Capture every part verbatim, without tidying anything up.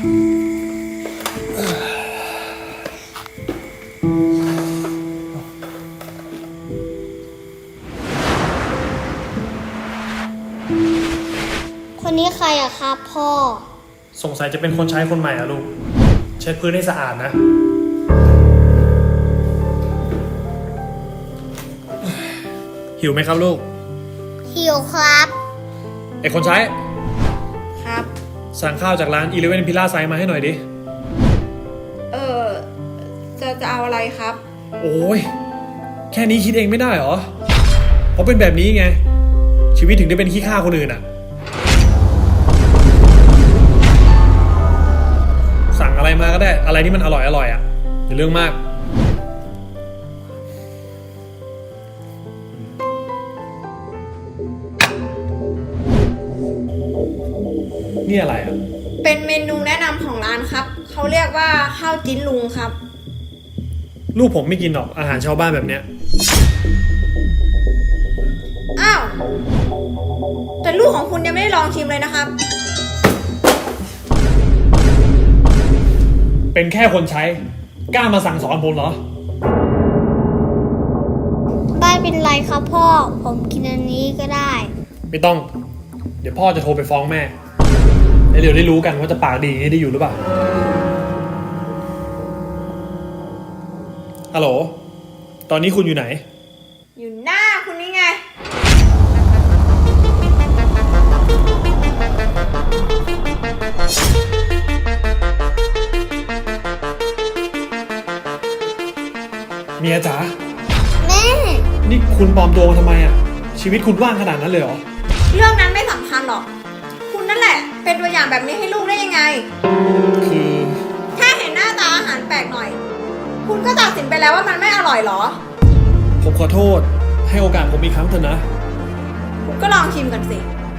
คนนี้ใครอะครับพ่อสงสัยจะเป็นคนใช้คนใหม่อะลูกเช็ดพื้นให้สะอาดนะหิวไหมครับลูกหิวครับไอคนใช้ครับสั่งข้าวจากร้านอีเลฟเว่นพิล่าไซมาให้หน่อยดิเออจะจะเอาอะไรครับโอ้ยแค่นี้คิดเองไม่ได้เหรอเพราะเป็นแบบนี้ไงชีวิตถึงได้เป็นขี้ข้าคนอื่นอะสั่งอะไรมาก็ได้อะไรที่มันอร่อยอร่อยอะอย่าเรื่องมากนี่อะไรอ่ะเป็นเมนูแนะนำของร้านครับเขาเรียกว่าข้าวจิ้นลุงครับลูกผมไม่กินหรอกอาหารชาวบ้านแบบเนี้ยอ้าวแต่ลูกของคุณยังไม่ได้ลองชิมเลยนะครับเป็นแค่คนใช้กล้ามาสั่งสอนผมเหรอไม่เป็นไรครับพ่อผมกินอันนี้ก็ได้ไม่ต้องเดี๋ยวพ่อจะโทรไปฟ้องแม่แล้วเดี๋ยวได้รู้กันว่าจะปากดีได้อยู่หรือเปล่าฮัลโหลตอนนี้คุณอยู่ไหนอยู่หน้าคุณนี่ไงเมียจ๋าแม่นี่คุณปลอมตัวมาทำไมอ่ะชีวิตคุณว่างขนาดนั้นเลยเหรอเรื่องนั้นไม่สำคัญหรอกคุณนั่นแหละเป็นตัวอย่างแบบนี้ให้ลูกได้ยังไงคือแค่เห็นหน้าตาอาหารแปลกหน่อยคุณก็ตัดสินไปแล้วว่ามันไม่อร่อยหรอผมขอโทษให้โอกาสผมอีกครั้งเถอะนะคุณก็ลองชิมกันสิ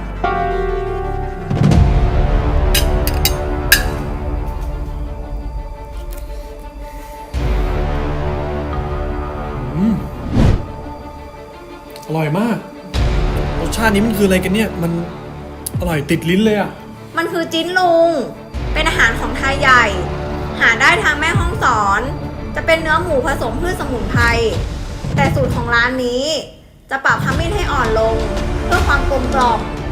อร่อยมากรสชาตินี้มันคืออะไรกันเนี่ยมันอร่อยติดลิ้นเลยอ่ะมันคือจิ้นลุงเป็นอาหารของไทยใหญ่หาได้ทางแม่ฮ่องสอนจะเป็นเนื้อหมูผสมพืชสมุนไพรแต่สูตรของร้านนี้จะปรับขมิ้นให้อ่อนลงเพื่อความกลมกล่อม